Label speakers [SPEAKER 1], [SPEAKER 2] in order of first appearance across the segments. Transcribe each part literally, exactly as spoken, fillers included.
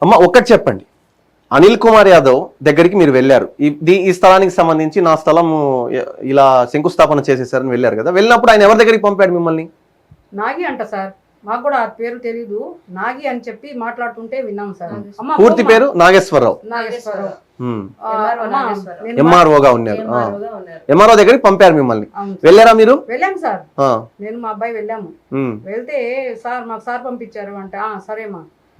[SPEAKER 1] అమ్మ ఒక్కటి చెప్పండి, అనిల్ కుమార్ యాదవ్ దగ్గరికి మీరు వెళ్ళారు, ఈ ఈ స్థలానికి సంబంధించి నా స్థలం ఇలా శంకుస్థాపన చేసేసారని వెళ్ళారు కదా, వెళ్ళినప్పుడు ఆయన ఎవరి దగ్గరికి పంపాడు మిమ్మల్ని?
[SPEAKER 2] నాగి అంట సార్, మాకు కూడా ఆ పేరు తెలీదు, నాగి అని చెప్పి మాట్లాడుతుంటే విన్నాం సార్.
[SPEAKER 1] పూర్తి పేరు నాగేశ్వరరావు,
[SPEAKER 2] నాగేశ్వరరావు
[SPEAKER 1] ఎంఆర్ఓగా ఉన్నారు. ఎంఆర్ఓ దగ్గరికి పంపారు మిమ్మల్ని, వెళ్ళారా మీరు?
[SPEAKER 2] వెళ్ళాము సార్, నేను మా అబ్బాయి వెళ్ళాము. వెళ్తే సార్ మాకు సార్ పంపించారు అంటే సరేమా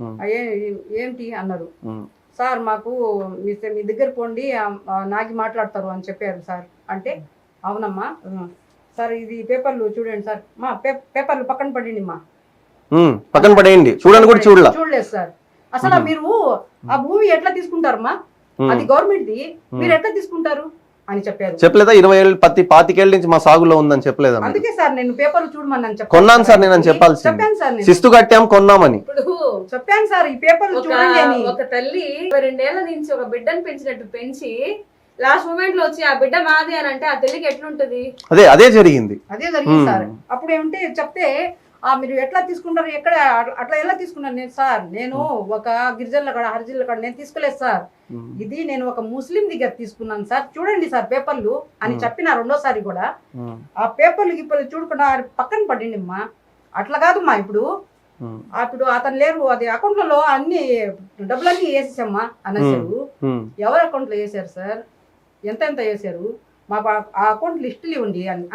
[SPEAKER 2] ఏంటి అన్నారు. సార్ మాకు మీ మీ దగ్గర పోండి నాగి మాట్లాడతారు అని చెప్పారు సార్. అంటే అవునమ్మా సార్, ఇది పేపర్లు చూడండి సార్, మా పేపర్లు పక్కన పడండి మా
[SPEAKER 1] పక్కన పడేయండి, చూడండి కూడా చూడలే
[SPEAKER 2] చూడలేదు సార్. అసలు మీరు ఆ భూమి ఎట్లా తీసుకుంటారమ్మా, అది గవర్నమెంట్ ది, మీరు ఎట్లా తీసుకుంటారు అని చెప్పారు.
[SPEAKER 1] చెప్పలేదా? ఇరవై ఏళ్ళు పత్తి పాతికేళ్ళ నుంచి మా సాగులో ఉందని చెప్పలేదా?
[SPEAKER 2] అందుకే సార్ నేను పేపర్లు చూడమని చెప్పాను.
[SPEAKER 1] కొన్నాను సార్ నేను చెప్పాల్సి,
[SPEAKER 2] చెప్పాను సార్,
[SPEAKER 1] శిస్తు కట్టాం కొన్నామని
[SPEAKER 2] చెప్పాను సార్. ఈ పేపర్లు చూడండి అని.
[SPEAKER 3] ఒక తల్లి రెండేళ్ల నుంచి ఒక బిడ్డను పెంచినట్టు పెంచి లాస్ట్ మూమెంట్ లో వచ్చి ఆ బిడ్డ మాది అని అంటే ఆ తల్లికి ఎట్లుంటది?
[SPEAKER 1] అదే అదే జరిగింది,
[SPEAKER 2] అదే జరిగింది సార్. అప్పుడు ఏమంటే చెప్తే ఆ మీరు ఎట్లా తీసుకుంటారు, ఎక్కడ అట్లా ఎలా తీసుకున్నాను నేను సార్, నేను ఒక గిరిజనుల కాడ హరిజనుల కాడ నేను తీసుకోలేదు సార్, ఇది నేను ఒక ముస్లిం దగ్గర తీసుకున్నాను సార్, చూడండి సార్ పేపర్లు అని చెప్పిన రెండోసారి కూడా. ఆ పేపర్లు గిప్పలు చూడకుండా పక్కన పడింది అమ్మా. అట్లా కాదమ్మా, ఇప్పుడు అప్పుడు అతను లేరు, అది అకౌంట్లలో అన్ని డబ్బులన్నీ వేసేసమ్మా అనేసారు. ఎవరి అకౌంట్ లో వేసారు సార్, ఎంత ఎంత వేసారు, మా ఆ అకౌంట్ లిస్టులు ఇవ్వండి అని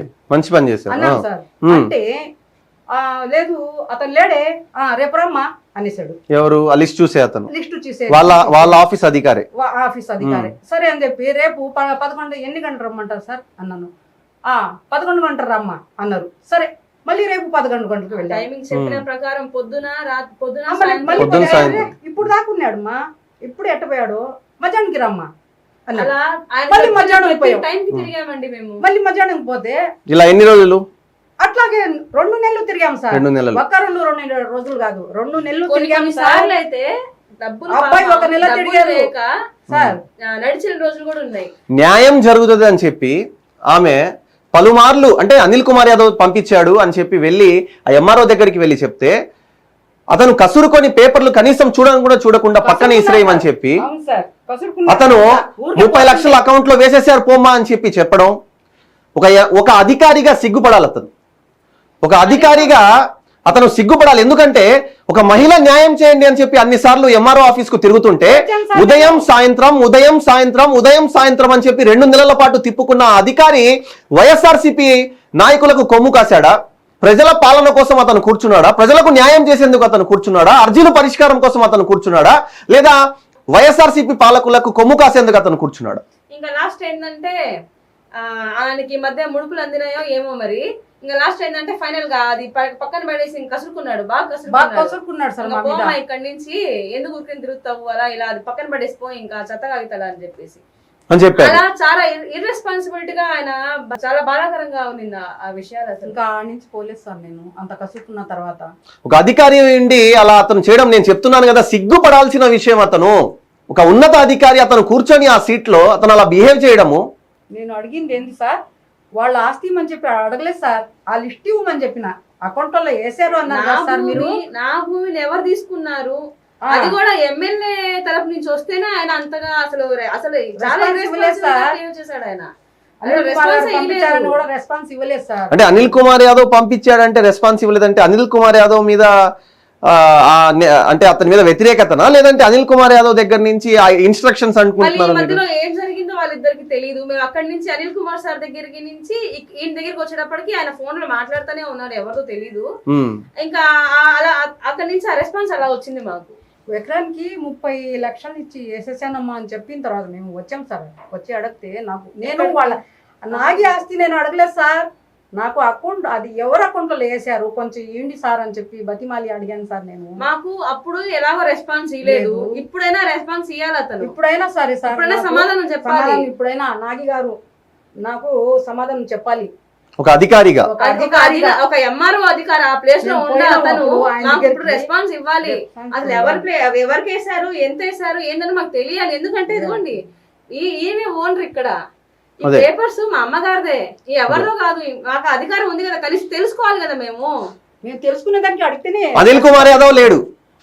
[SPEAKER 2] అన్నారు సార్. అంటే ఆ లేదు అతను లేడే, రేపు రమ్మా అనేసాడు.
[SPEAKER 1] ఎవరు? లిస్ట్ చూసే అతను,
[SPEAKER 2] లిస్ట్ చూసే
[SPEAKER 1] వాళ్ళ వాళ్ళ ఆఫీస్ అధికారి,
[SPEAKER 2] ఆఫీస్ అధికారి. సరే అని చెప్పి రేపు పదకొండు ఎన్ని గంటలు రమ్మంటారు సార్ అన్నాను. ఆ పదకొండు గంటలు రమ్మా అన్నారు. సరే మళ్ళీ రేపు పదకొండు గంటలకు వెళ్ళి
[SPEAKER 3] టైమింగ్ చెప్పిన ప్రకారం పొద్దున పొద్దున
[SPEAKER 2] ఇప్పుడు దాకున్నాడు మా, ఇప్పుడు ఎట్టపోయాడు మధ్యాహ్నానికి రమ్మా అన్నాడు.
[SPEAKER 3] మళ్ళీ
[SPEAKER 2] మళ్ళీ మధ్యాహ్నం
[SPEAKER 3] తిరిగామండి మేము.
[SPEAKER 2] మళ్ళీ మధ్యాహ్నం పోతే
[SPEAKER 1] ఇలా ఎన్ని రోజులు?
[SPEAKER 2] అట్లాగే రెండు నెలలు తిరిగాం సార్.
[SPEAKER 1] రెండు నెలలు
[SPEAKER 2] ఒక్క రెండు రెండు రోజులు కాదు, రెండు నెలలు తిరిగాం
[SPEAKER 3] సార్. అయితే డబ్బులు
[SPEAKER 2] అబ్బాయి ఒక నెల తిరిగారు సార్,
[SPEAKER 3] నడిచిన రోజులు కూడా ఉన్నాయి.
[SPEAKER 1] న్యాయం జరుగుతుంది అని చెప్పి ఆమె పలుమార్లు, అంటే అనిల్ కుమార్ యాదవ్ పంపించాడు అని చెప్పి వెళ్ళి ఆ ఎంఆర్ఓ దగ్గరికి వెళ్ళి చెప్తే అతను కసురుకొని పేపర్లు కనీసం చూడని కూడా చూడకుండా పక్కన ఇసిరేయమని చెప్పి అతను ముప్పై లక్షల అకౌంట్ లో వేసేసారు పోమ్మా అని చెప్పి చెప్పడం, ఒక ఒక అధికారిగా సిగ్గుపడాలి అతను. ఒక అధికారిగా అతను సిగ్గుపడాలి. ఎందుకంటే ఒక మహిళ న్యాయం చేయండి అని చెప్పి అన్నిసార్లు ఎంఆర్ఓ ఆఫీస్ కు తిరుగుతుంటే ఉదయం సాయంత్రం ఉదయం సాయంత్రం ఉదయం సాయంత్రం అని చెప్పి రెండు నెలల పాటు తిప్పుకున్న అధికారి వైఎస్ఆర్సీపీ నాయకులకు కొమ్ము కాశాడా? ప్రజల పాలన కోసం అతను కూర్చున్నాడా? ప్రజలకు న్యాయం చేసేందుకు అతను కూర్చున్నాడా? అర్జీల పరిష్కారం కోసం అతను కూర్చున్నాడా? లేదా వైఎస్ఆర్సీపీ పాలకులకు కొమ్ము కాసేందుకు అతను కూర్చున్నాడా?
[SPEAKER 3] ఇంకా లాస్ట్ ఏంటంటే ఆయనకి మధ్య ముడుపులు అందినాయో ఏమో మరి. ఇంకా లాస్ట్ ఏంటంటే ఫైనల్ గా అది పక్కన పడేసి కసురుకున్నాడు, బాగా
[SPEAKER 2] కసురుకున్నాడు సార్.
[SPEAKER 3] ఇక్కడి నుంచి ఎందుకు ఊరికి తిరుగుతావు అలా ఇలా అది పక్కన పడేసిపోయి ఇంకా చెత్త కాగితాడు అని చెప్పేసి
[SPEAKER 1] అని చెప్పారు.
[SPEAKER 3] అలా చాలా ఇర్రెస్పాన్సిబిలిటీగా ఆయన చాలా బాధాకరంగా ఉంది ఆ విషయాలు. అసలు
[SPEAKER 2] ఇంకా నుంచి పోలేదు సార్ నేను అంత కసురుకున్న తర్వాత.
[SPEAKER 1] ఒక అధికారి ఉండి అలా అతను చేయడం, నేను చెప్తున్నాను కదా, సిగ్గుపడాల్సిన విషయం. అతను ఒక ఉన్నత అధికారి, అతను కూర్చొని ఆ సీట్ లో అతను అలా బిహేవ్ చేయడము.
[SPEAKER 2] నేను అడిగింది ఏంటి సార్, వాళ్ళ ఆస్తి ఇవ్వమని చెప్పి అడగలేదు సార్, ఆ లిస్ట్ ఇవ్వమని చెప్పిన అకౌంట్ లో వేసారు అన్నారు సార్. మీరు
[SPEAKER 3] నా భూమిని ఎవరు తీసుకున్నారు, అది కూడా ఎమ్మెల్యే తరఫు నుంచి వస్తేనే ఆయన అంతగా అసలు అసలు చేశాడు ఆయన.
[SPEAKER 2] రెస్పాన్స్ ఇవ్వలేదు సార్.
[SPEAKER 1] అంటే అనిల్ కుమార్ యాదవ్ పంపించాడంటే రెస్పాన్స్ ఇవ్వలేదంటే అనిల్ కుమార్ యాదవ్ మీద అంటే అతని మీద వ్యతిరేకతనా, లేదంటే అనిల్ కుమార్ యాదవ్ దగ్గర నుంచి ఆ ఇన్స్ట్రక్షన్స్ అనుకుంటున్నారు?
[SPEAKER 3] మధ్యలో ఏం జరిగిందో వాళ్ళిద్దరికి తెలియదు. మేము అక్కడి నుంచి అనిల్ కుమార్ సార్ దగ్గరికి నుంచి ఈయన దగ్గరికి వచ్చేటప్పటికి ఆయన ఫోన్ లో మాట్లాడుతూనే ఉన్నారు, ఎవరితో తెలీదు. ఇంకా అలా అక్కడి నుంచి ఆ రెస్పాన్స్ అలా వచ్చింది మాకు.
[SPEAKER 2] ఎకరానికి ముప్పై లక్షలు ఇచ్చి వేసేసానమ్మా అని చెప్పిన తర్వాత మేము వచ్చాం సార్. వచ్చి అడిగితే నాకు నేను వాళ్ళ నాగి ఆస్తి నేను అడగలేదు సార్, నాకు అకౌంట్ అది ఎవరు అకౌంట్ లో వేసారు కొంచెం ఏంటి సార్ అని చెప్పి బతిమాలి అడిగాను సార్. నేను
[SPEAKER 3] మాకు అప్పుడు ఎలాగో రెస్పాన్స్ ఇవ్వలేదు, ఇప్పుడైనా రెస్పాన్స్ ఇవ్వాలి అతను.
[SPEAKER 2] ఇప్పుడైనా సరే సార్,
[SPEAKER 3] ఇప్పుడైనా సమాధానం చెప్పాలి.
[SPEAKER 2] ఇప్పుడైనా నాగి గారు నాకు సమాధానం చెప్పాలి.
[SPEAKER 1] ఒక అధికారిగా
[SPEAKER 3] ఒక ఎంఆర్ఓ అధికారి ఆ ప్లేస్ లో ఉన్న అతను నాకు ఇప్పుడు రెస్పాన్స్ ఇవ్వాలి. అసలు ఎవరు ప్లే ఎవరికి వేసారు, ఎంత వేసారు ఏందని మాకు తెలియాలి. ఎందుకంటే ఇదిగోండి ఈ ఈమె ఓనర్ ఇక్కడ, ఈ పేపర్స్ మా అమ్మగారిదే, ఎవరిలో కాదు. మాకు అధికారం ఉంది కదా, కలిసి తెలుసుకోవాలి కదా. మేము
[SPEAKER 2] మేము తెలుసుకునే దానికి అడిగితేనే
[SPEAKER 1] అనిల్ కుమార్ యాదవ్ లేడు,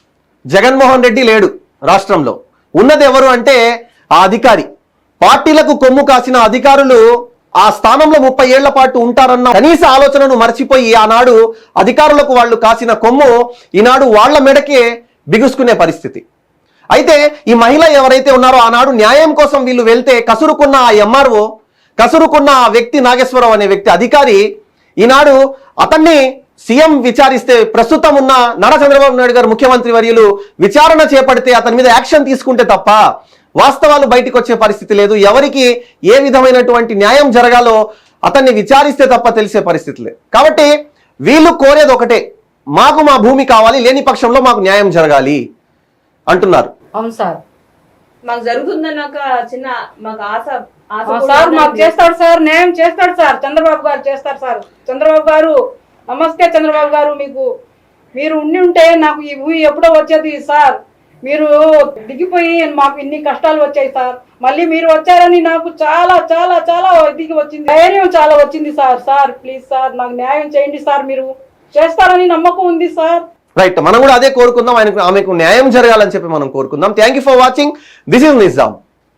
[SPEAKER 1] జగన్మోహన్ రెడ్డి లేడు రాష్ట్రంలో. ఉన్నది ఎవరు అంటే ఆ అధికారి. పార్టీలకు కొమ్ము కాసిన అధికారులు ఆ స్థానంలో ముప్పై ఏళ్ల పాటు ఉంటారన్న కనీస ఆలోచనను మర్చిపోయి ఆనాడు అధికారులకు వాళ్ళు కాసిన కొమ్ము ఈనాడు వాళ్ల మెడకే బిగుసుకునే పరిస్థితి. అయితే ఈ మహిళ ఎవరైతే ఉన్నారో ఆనాడు న్యాయం కోసం వీళ్ళు వెళ్తే కసురుకున్న ఆ ఎంఆర్ఓ, కసురుకున్న ఆ వ్యక్తి నాగేశ్వరరావు అనే వ్యక్తి అధికారి ఈనాడు అతన్ని సీఎం విచారిస్తే, ప్రస్తుతం ఉన్న నారా చంద్రబాబు నాయుడు గారు ముఖ్యమంత్రి వర్యులు విచారణ చేపడితే అతని మీద యాక్షన్ తీసుకుంటే తప్ప వాస్తవాలు బయటకు వచ్చే పరిస్థితి లేదు. ఎవరికి ఏ విధమైనటువంటి న్యాయం జరగాలో అతన్ని విచారిస్తే తప్ప తెలిసే పరిస్థితి లేదు. కాబట్టి వీళ్ళు కోరేది ఒకటే, మాకు మా భూమి కావాలి, లేని పక్షంలో మాకు న్యాయం జరగాలి అంటున్నారు.
[SPEAKER 2] అవును సార్,
[SPEAKER 3] మాకు జరుగుతుందన్న ఒక చిన్న మాకు ఆశ ఆశ
[SPEAKER 2] ఆ
[SPEAKER 3] కూడా
[SPEAKER 2] సార్ మాకు
[SPEAKER 3] ఉందండి.
[SPEAKER 2] చేస్తాడు సార్, న్యాయం చేస్తాడు సార్, చంద్రబాబు గారు చేస్తారు సార్. చంద్రబాబు గారు నమస్తే. చంద్రబాబు గారు మీకు మీరు ఉండి ఉంటే నాకు ఈ ఊయి ఎప్పుడో వచ్చేది సార్. మీరు దిగిపోయి మాకు ఇన్ని కష్టాలు వచ్చాయి సార్. మళ్ళీ మీరు వచ్చారని నాకు చాలా చాలా చాలా దిగి వచ్చింది, ధైర్యం చాలా వచ్చింది సార్. సార్ ప్లీజ్ సార్ నాకు న్యాయం చేయండి సార్, మీరు చేస్తారని నమ్మకం ఉంది సార్.
[SPEAKER 1] రైట్, మనం కూడా అదే కోరుకుందాం, ఆయనకు ఆమెకు న్యాయం జరగాలని చెప్పి మనం కోరుకుందాం. Thank you for watching. This is Nizam.